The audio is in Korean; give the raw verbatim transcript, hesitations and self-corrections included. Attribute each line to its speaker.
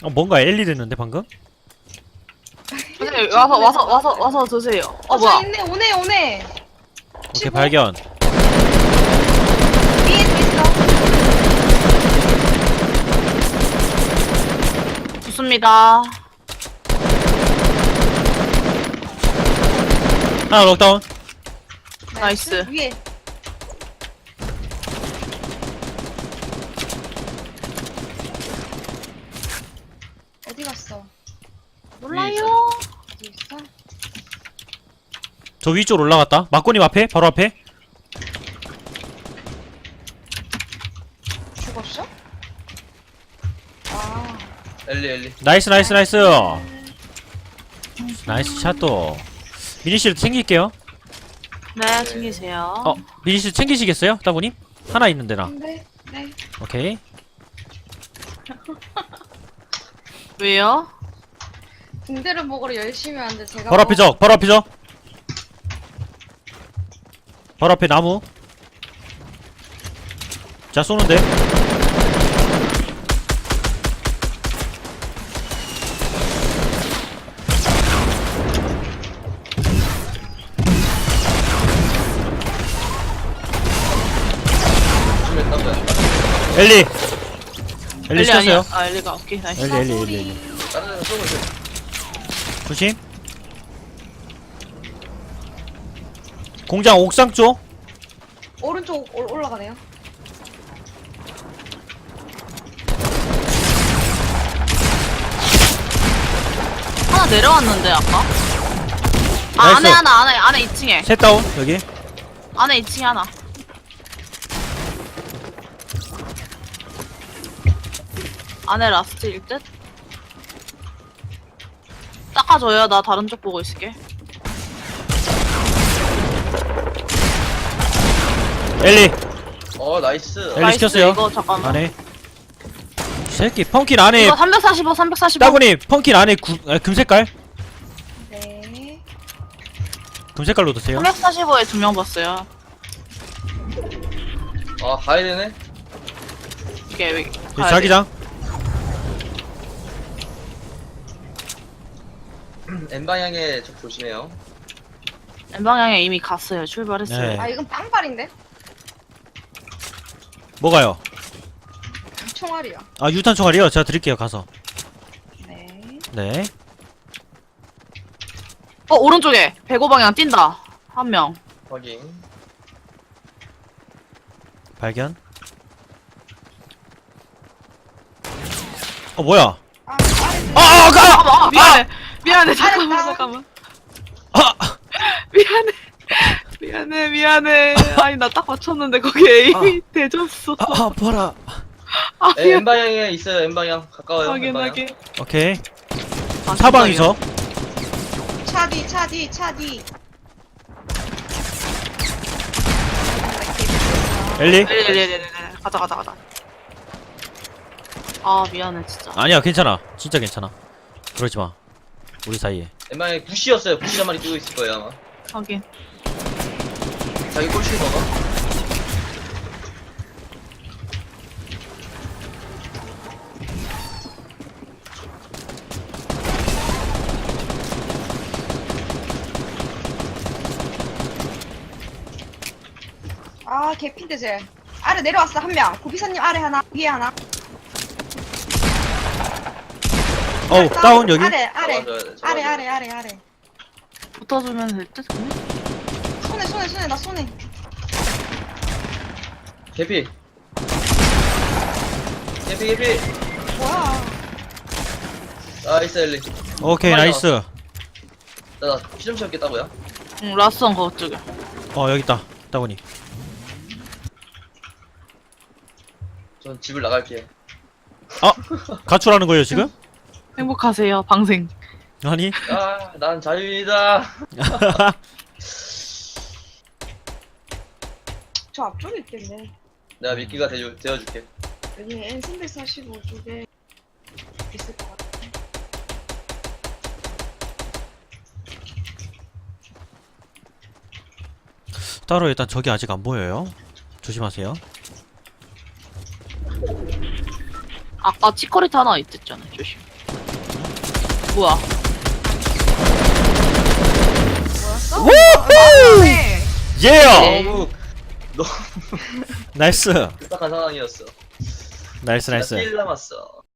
Speaker 1: 어 뭔가 엘리 됐는데 방금?
Speaker 2: 선생님 와서 와서 와서 와서 드세요. 어
Speaker 3: 어, 저
Speaker 2: 뭐야?
Speaker 3: 있네, 오네, 오네.
Speaker 1: 오케이
Speaker 3: 치고.
Speaker 1: 발견.
Speaker 3: 위에도 있어.
Speaker 2: 좋습니다.
Speaker 1: 하나 록다운.
Speaker 2: 나이스.
Speaker 3: 위에. 어디 갔어?
Speaker 2: 몰라요.
Speaker 3: 어디 있어?
Speaker 1: 저 위쪽으로 올라갔다. 막고님 앞에 바로 앞에.
Speaker 3: 죽었어? 아,
Speaker 4: 엘리 엘리.
Speaker 1: 나이스 나이스 나이스. 나이스 샷도. 미니실 챙길게요.
Speaker 2: 네 챙기세요.
Speaker 1: 어 미니실 챙기시겠어요? 따보님? 하나 있는데 나.
Speaker 3: 네, 네.
Speaker 1: 오케이.
Speaker 2: 왜요?
Speaker 3: 붕대를 먹으러 열심히 하는데 제가
Speaker 1: 바로 앞에
Speaker 3: 뭐-
Speaker 1: 적. 바로 앞에 적. 바로 앞에 나무. 자 쏘는데.
Speaker 4: 조심해 땀나.
Speaker 1: 엘리. 엘리
Speaker 2: 아니야.
Speaker 1: 시켰어요.
Speaker 2: 아 엘리가 오케이 나이스.
Speaker 1: 엘리 엘리 엘리 엘리.
Speaker 4: 다른 데서 쏘고 있어.
Speaker 1: 조심. 공장 옥상 쪽.
Speaker 3: 오른쪽 올, 올라가네요.
Speaker 2: 하나 내려왔는데 아까. 아
Speaker 1: 나이스.
Speaker 2: 안에 하나 안에 안에 이 층에
Speaker 1: 셋 다운 여기.
Speaker 2: 안에 이 층에 하나. 안에 라스트일 듯? 닦아줘요. 나 다른 쪽 보고 있을게.
Speaker 1: 엘리.
Speaker 4: 어 나이스.
Speaker 1: 엘리
Speaker 2: 나이스,
Speaker 1: 시켰어요.
Speaker 2: 이거 잠깐만.
Speaker 1: 안에. 이 새끼 펑킨 안에.
Speaker 2: 이거 삼백사십오, 삼백사십오.
Speaker 1: 따구님 펑킨 안에 구, 아, 금색깔.
Speaker 3: 네.
Speaker 1: 금색깔로 드세요.
Speaker 2: 삼백사십오에 두 명 봤어요.
Speaker 4: 아 가야 되네.
Speaker 2: 이게 왜?
Speaker 1: 여기
Speaker 2: 가야 돼.
Speaker 1: 자기장.
Speaker 4: N 방향에 적 조심해요.
Speaker 2: N 방향에 이미 갔어요. 출발했어요.
Speaker 1: 네.
Speaker 3: 아, 이건 빵발인데?
Speaker 1: 뭐가요?
Speaker 3: 총알이야.
Speaker 1: 아 유탄 총알이요. 제가 드릴게요 가서.
Speaker 3: 네.
Speaker 1: 네.
Speaker 2: 어 오른쪽에 백오 방향 뛴다. 한 명.
Speaker 4: 확인.
Speaker 1: 발견. 어 뭐야?
Speaker 3: 아, 아래.
Speaker 1: 아, 아, 가!
Speaker 2: 잠깐만. 아, 미안해. 미안해. 잠깐만.
Speaker 3: 알았다.
Speaker 2: 잠깐만.
Speaker 1: 아,
Speaker 2: 미안해. 미안해. 미안해. 아니 나 딱 맞췄는데 거기 에임이 대졌어.
Speaker 1: 아, 아, 봐라.
Speaker 2: 아,
Speaker 4: 에, N 방향에 있어요. N 방향 가까워요. N 방향.
Speaker 2: 확인하게.
Speaker 1: 오케이.
Speaker 2: 아,
Speaker 1: 사방이서.
Speaker 3: 차 뒤, 차 뒤, 차 뒤.
Speaker 1: 엘리.
Speaker 2: 네네네네. 가자 가자 가자. 아 미안해 진짜.
Speaker 1: 아니야 괜찮아. 진짜 괜찮아. 그러지 마. 우리 사이에.
Speaker 4: N 방향에 부시였어요. 부시 한 마리 뛰고 있을 거예요 아마.
Speaker 2: 확인.
Speaker 4: 자기 꼴찌 먹어.
Speaker 3: 아, 개핀데 쟤. 아래 내려왔어, 한 명. 고비사님 아래 하나, 위에 하나.
Speaker 1: 어우 다운 여기.
Speaker 3: 아래, 아래.
Speaker 4: 잡아줘야 돼,
Speaker 3: 아래,
Speaker 4: 잡아줘야
Speaker 3: 아래, 아래, 아래.
Speaker 2: 붙어주면 될 듯. 근데?
Speaker 3: 손에, 손에, 손에, 나 손에.
Speaker 4: 개피. 개피 개피.
Speaker 3: 뭐야.
Speaker 4: 나이스 엘리.
Speaker 1: 오케이
Speaker 4: 빨리
Speaker 1: 나이스.
Speaker 4: 나피 좀 채웠겠다고요?
Speaker 2: 응 라스원 그거 쪽에.
Speaker 1: 어 여기 있다. 따구니.
Speaker 4: 전 집을 나갈게요.
Speaker 1: 아 가출하는 거예요 지금?
Speaker 2: 행복하세요 방생.
Speaker 1: 아니.
Speaker 4: 아, 난 자유이다.
Speaker 3: 저 앞쪽에 있겠네.
Speaker 4: 내가 미끼가 되어, 되어줄게.
Speaker 3: 여기 엔 삼백사십오 쪽에 있을 것 같아.
Speaker 1: 따로 일단 저기 아직 안 보여요. 조심하세요.
Speaker 2: 아까 치커리트 하나 있댔잖아. 조심. 뭐야?
Speaker 3: 뭐였어?
Speaker 1: 우후!
Speaker 3: 네.
Speaker 1: 예!
Speaker 4: 너무
Speaker 1: 나이스
Speaker 4: 딱한 상황이었어.
Speaker 1: 나이스 나이스
Speaker 4: 일 남았어.